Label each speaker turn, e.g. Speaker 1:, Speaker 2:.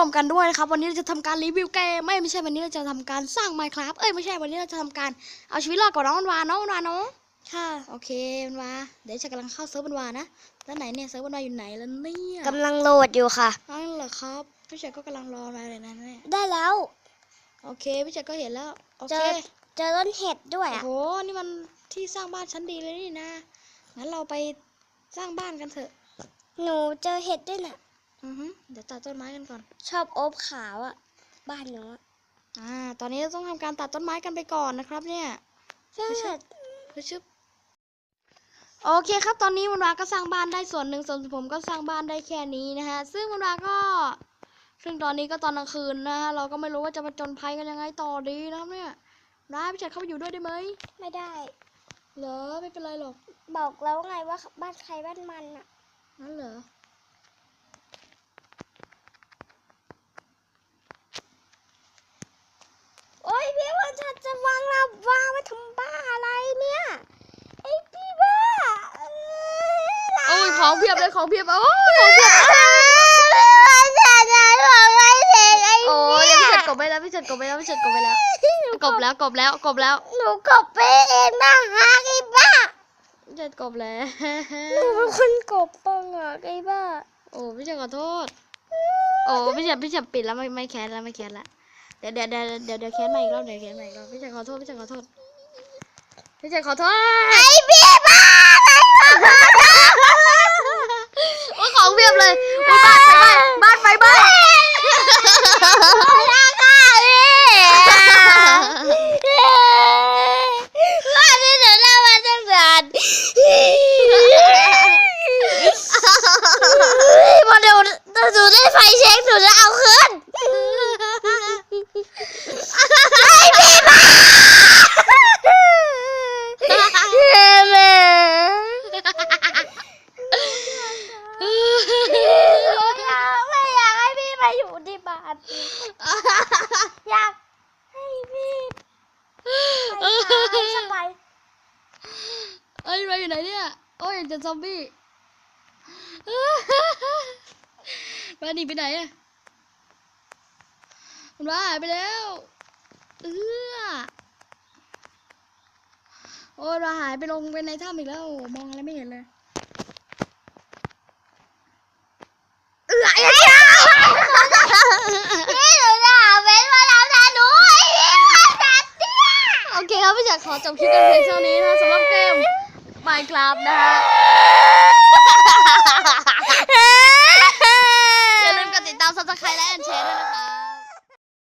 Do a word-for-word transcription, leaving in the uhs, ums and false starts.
Speaker 1: มกันด้วยนะครับวันนี้เราจะทำการรีวิวเกมไม่ไม่ใช่วันนี้เราจะทำการสร้าง Minecraft เอ้ยไม่ใช่วันนี้เราจะทำการเอาชีวิตรอดกับน้องวันวานน้องวันวานเนาะค่ะโอเควันวาเดี๋ยวจะกำลังเข้าเซิร์ฟวันวานะแล้วไหนเนี่ยเซิร์ฟวันวาอยู่ไหนแล้วเนี่ย
Speaker 2: กำลังโหลดอยู่ค่ะ
Speaker 1: นั่นเหรอครับพี่เฉยก็กำลังรอมาเลยนะเนี่ย
Speaker 2: ได้แล้ว
Speaker 1: โอเคพี่เฉยก็เห็นแล้วโอเค
Speaker 2: เจอเจอต้นเห็ดด้วยอ่ะ
Speaker 1: โอ้โหนี่มันที่สร้างบ้านชั้นดีเลยนี่นะงั้นเราไปสร้างบ้านกันเถอะ
Speaker 2: หนูเจอเห็ดด้วยน่ะ
Speaker 1: อือฮึเดี๋ยวตัดต้นไม้กันก่อน
Speaker 2: ชอบโอ๊บขาวอ่ะบ้านหนู
Speaker 1: อ่าตอนนี้เราต้องทำการตัดต้นไม้กันไปก่อนนะครับเนี่ย
Speaker 2: ใช่
Speaker 1: ชึบโอเคครับตอนนี้วันวาก็สร้างบ้านได้ส่วนหนึ่งส่วนผมก็สร้างบ้านได้แค่นี้นะฮะซึ่งวันวาก็ซึ่งตอนนี้ก็ตอนกลางคืนนะฮะเราก็ไม่รู้ว่าจะมาจนภัยกันยังไงต่อดีนะครับเนี่ยร้ายพี่จัดเข้าไปอยู่ด้วยได้ไหม
Speaker 2: ไม่ได้
Speaker 1: เหรอไม่เป็นไรหรอก
Speaker 2: บอกแล้วไงว่าบ้านใครบ้านมันอ่ะ
Speaker 1: นั่นเหรอ
Speaker 2: โอ้ยพี่ว่าฉันจะวางลาวาไว้ทำบ้าอะไรเนี่ยไอพี่บ้า
Speaker 1: โอ้ยของเพียบเลยของเพียบโอ้ยของเพียบโอ้ยพี่จัดกบไปแล้วพี่จัดกบไปแล้วพี่จัดกบไปแล้วกบแล้วกบแล้วกบแล้ว
Speaker 2: หนูกบไปเองนะฮะไอ้บ้า
Speaker 1: พี่จัดกบแล้ว
Speaker 2: หนูเป็นคนกบปังอ่ะไอ้บ้า
Speaker 1: โอ้พี่จัดขอโทษโอ้พี่จัดพี่จัดปิดแล้วไม่ไม่แคสแล้วไม่แคสแล้วเดี๋ยวเดี๋ยวเดี๋ยวเดี๋ยวเดี๋ยวแคสใหม่อีกรอบเดี๋ยวแคสใหม่อีกรอบพี่จัดขอโทษพี่จัดขอโทษพี่จัดขอโทษ
Speaker 2: ไอ้พี่บ้าไอ้บ้า
Speaker 1: โอ้ของเพียบเลยบ้านไฟไหม้บ้านไฟไหม้
Speaker 2: บ้านนี้เดี๋ยวเรามาตั้งนานพอเดี๋ยวหนูได้ไฟเช็คหนูจะเอาคืนไอ้พี่บ้าไม่อยากให้พี่มาอยู่ที่บ้านอยากให้พี่ไปหาสบาย
Speaker 1: เอ้ยเราอยู่ไหนเนี่ยโอ้ยเจอซอมบี้มาหนีไปไหนอะมันว่าหายไปแล้วเออโอ้ยเราหายไปลงไปในถ้ำอีกแล้วมองอะไรไม่เห็นเลย
Speaker 2: เออไอ้เจ้าพี่หนูจะหาเว้นมาแล้วนะหนูไอ้พี่มาจัดเนี่ย
Speaker 1: โอเคครับพี่อยากขอจบคลิปกันเพียงเท่านี้นะสำหรับเกม Minecraft นะฮะอย่าลืมกดติดตาม ซับสไครบ์ และแอนแชร์ด้วยนะคะ